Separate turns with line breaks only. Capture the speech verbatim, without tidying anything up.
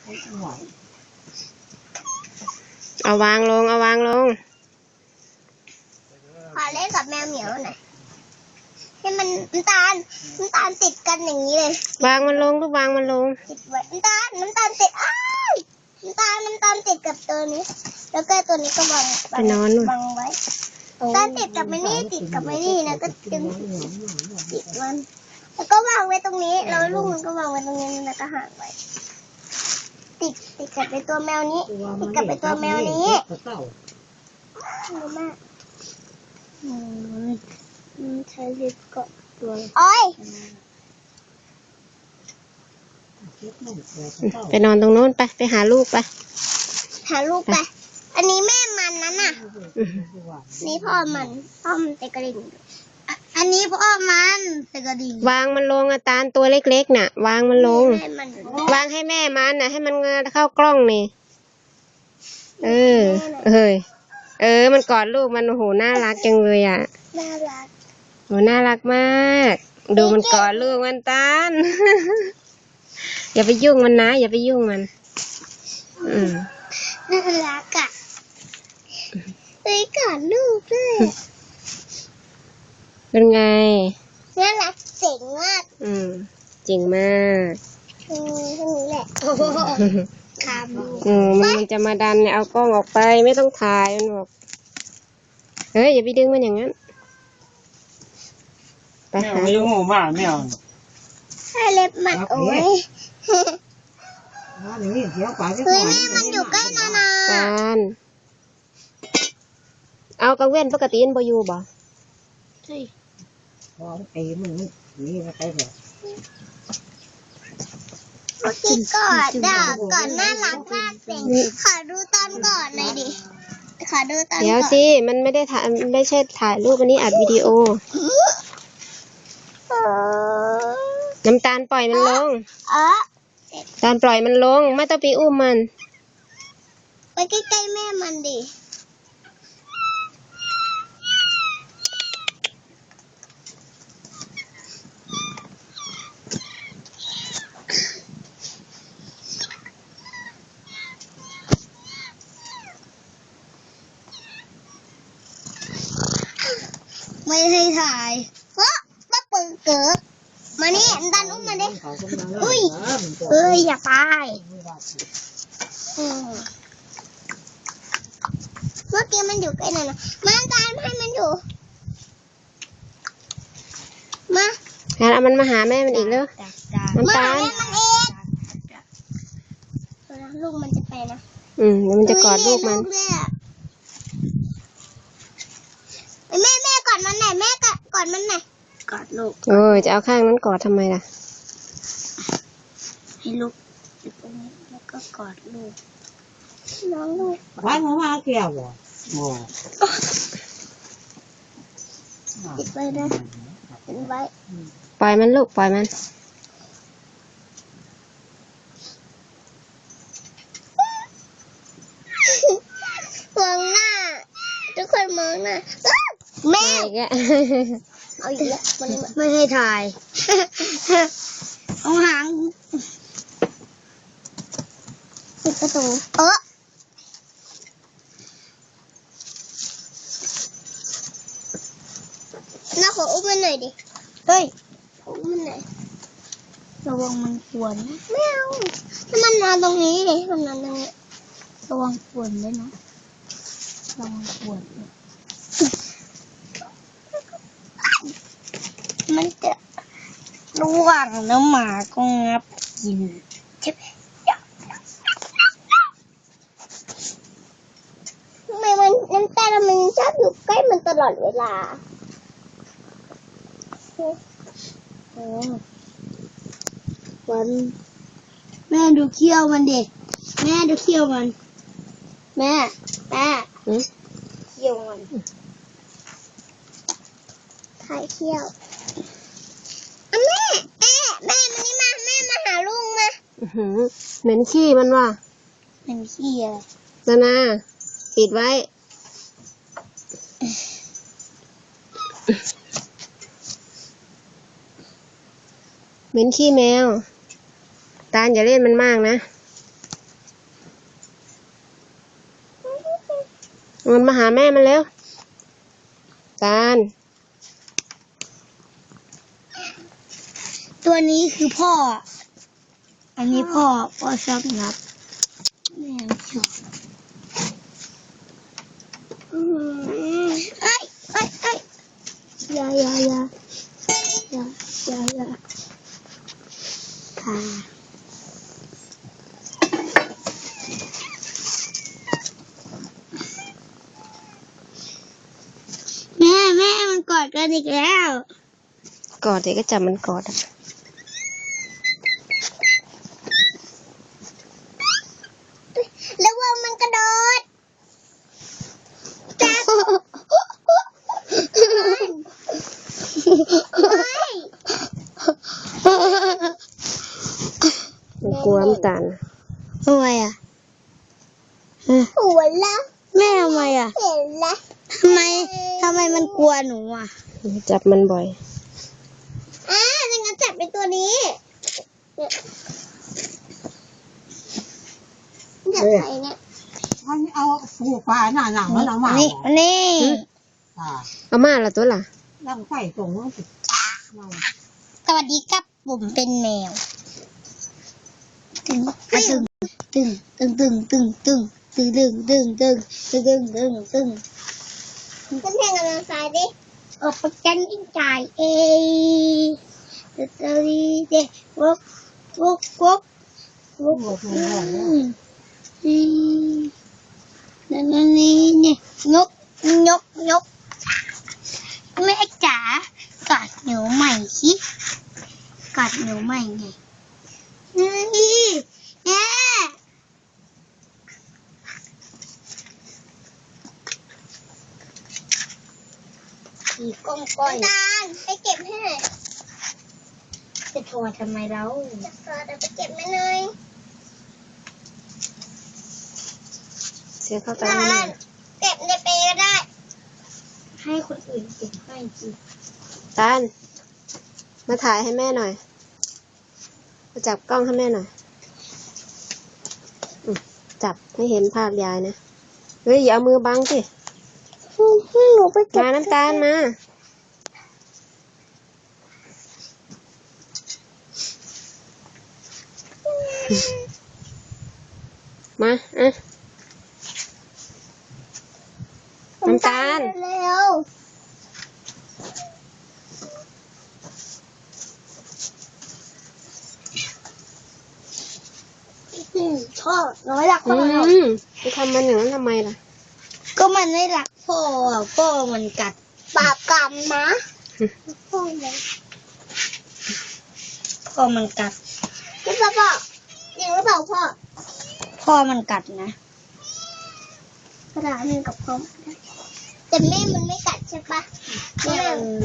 เอาวางลงเอาวางลง
ขอเล่นกับแมวเหมียวหน่อยให้มันน้ำตาลน้ำตาลติดกันอย่างนี้เลยว
างมันลงลูกวางมันลง
ติดไว้น้ำตาลน้ำตาลติดอ้าวน้ำตาลน้ำตาลติดกับตัวนี้แล้วก็ตัวนี้ก็วาง
ไปนอน
วางไว้น้ำตาลติดกับไม่นี่ติดกับไม่นี่นะก็ดึงติดมันแล้วก็วางไว้ตรงนี้แล้วลูกมันก็วางไว้ตรงนี้แล้วก็ห่างไว้ติดติดกับไปตัวแมวนี้ติดกับไปตัวแมวนี้ดูมากอืมใช้ลิปเกาะตัวโอ้ย
ไปนอนตรงโน้นไปไปหาลูกไป
หาลูกไปอันนี้แม่มันนั่นน่ะนี่พ่อมันพ่อมันเตะกระดิ่งอันนี้พ่อมันเตะกระดิ่ง
วางมันลงอาตาลตัวเล็กๆน่ะวางมันลงวางให้แม่มันน่ะให้มันเข้ากล้องนี่เออเอ้ยเออมันกอดลูกมันโอ้โหน่ารักจังเลยอ่ะ
น่ารัก
โหน่ารักมากดูมันกอดลูกมันตาล อย่าไปยุ่งมันนะอย่าไปยุ่งมันอืม
น่ารักอ่ะไปกอดลูกด้วย
เป็นไง
น่ารักเจ๋งมาก
อืมจริงมาก
อืมแค่นี้แหละครับ
อืมมันจะมาดันเนี่ยเอากล้องออกไปไม่ต้องถ่ายมันบอกเฮ้ยอย่าไปดึงมันอย่างนั้น
ไปหาไม่ยงหูมากไม่เอา
ให้เล็บมันโอ้ยเฮ้ยแม่มันอยู่ใกล้นานา
การเอากระเว้นปกติมันบ่อยู่บ่
ใช่
พอไอ้มึงนี่ก็ไปแบบ
โอเคก่อนด่าก่อนน่ารักมากเจ๋งขอดูตอนก่อนหน่อยดิขอดูตอนก่อน
เดี๋ยวสิมันไม่ได้ถ่ายไม่ใช่ถ่ายรูปอันนี้อัดวิดีโอน้ำตาลปล่อยมันลงตาลปล่อยมันลงไม่ต้องไปอุ้มมัน
ไปใกล้ๆแม่มันดิไม่ให้ถ่ายเพราะป้าปืนเกิดมานี่ดันอุ้มมาดิอุ้ยเอ้ยอย่าไปเมื่อกี้มันอยู่ใกล้นั่นนะมาตามให้มันอยู่มา
งั้นเอามันมาหาแม่มันอีกแล้วน้ำตาล
ลูกมันจะไปนะ
อืมมันจะกอดลูกมัน
แม่แม่กอดมันไหนแม่กอดมันไหนกอดลูก
โอ้ยจะเอาข้างนั้นกอดทำไมล่ะ
ให้ลูกอยู่ตรงนี้แล้วก็กอดลูกน้องลูก
ไว้มามาเกี่ยวบ่โอ้
ติดไว้นะติดไว้
ปล่อยมันลูกปล่อยมัน
มองหน้าทุกคนมองหน้าแม่เอาอีกแล้วมันไม่ให้ถ่ายเอาหางปิดประตูเออน่าขออุ้มมันหน่อยดิเฮ้ยอุ้มมันหน่อยระวังมันขวนไม่เอาถ้ามันนอนตรงนี้ดิมันนอนตรงนี้ระวังขวนด้วยนะระวังขวนมันจะระวังน้ำหมาก็งับกินใช่ไหมทำไมมันน้ำตาลมันชอบอยู่ใกล้มันตลอดเวลาโอ้วันแม่ดูเขี้ยวมันดิแม่ดูเขี้ยวมันแม่แม่เขี้ยวมันถ่ายเขี้ยวแม่แม่แม่มันนี่มาแม่มาหาลุงมา
เหม็นขี้มันว่ะ
เหม็นขี้อะไร
นานาปิดไว้เหม็นขี้แมวตาลอย่าเล่นมันมากนะมันมาหาแม่มันเร็วตาล
ตัวนี้คือพ่อ อันนี้พ่อพ่อชอบงับแม่ไม่ชอบอืมเอ้ยเอ้ยเอ้ยอย่าอย่าอย่าอย่าอย่าอย่าค่ะแม่แม่มันกอดกันอีกแล้ว
กอดเด็กก็จับมันกอดอะ
แล้วว่ามันกระโดดจับไม่
มันกลัวมันตาล
ทำไมอ่ะหัวละแม่ทำไมอ่ะเห็นละทำไมทำไมมันกลัวหนูอ่ะ
จับมันบ่อย
อ่าดังนั้นจับเป็นตัวนี้จับใครเนี่ย
มันเอาผูกปลาหน้าหนังมันเอามา
นี่นี่
อ่า
เอามาละตัวล่ะ
ลังไฟตรงนั้นสิ
สวัสดีครับผมเป็นแมวตึงตึงตึงตึงตึงตึงตึงตึงตึงตึงตึงตึงตึงตึงตึงขึ้นแทงกันทางซ้ายดิออกไปกันยิ่งจ่ายเองตึ๊ดตึ๊ดเด็กวกวกวกวก
หมดเลย
นี่นี่นี่นี่ยกยกยกแม่จ๋ากอดหนูใหม่สิกอดหนูใหม่ไงนี่แม่อีกก้องก้อยตาลไปเก็บให้หน่อยจะโทรทำไมเราจะโทรแต่ไปเก็บไม่เลย
เสียเข้าตา
ตา
หน่อ
ล
ย
เก็บในเปรย์ก็ได้ ให้คนอื่นเก็บให้สิ
ตาลมาถ่ายให้แม่หน่อยมาจับกล้องให้แม่หน่อยอืมจับไม่เห็นภาพยายนะเฮ้ยอย่าเอามือบังสิ
หนูไปเก็บ
มาน้ำตาลมามาอ่ะน้ำตาล
เร็วอืมพ่อน้อยรักพ่
อื
อเรา
มไปทำมันอย่างนั้นทำไมล่ะ
ก็มันไม่รักพ่ออ่ะพ่อมันกัดปาบกรรมนะพ่อมันพ่อมันกัดพี่พ่อพ่อจริงหรือเปล่าพ่อพ่อมันกัดนะกระดาษนึงกับพ่อแต่แม่มันไม่กัดใช่ปะแม่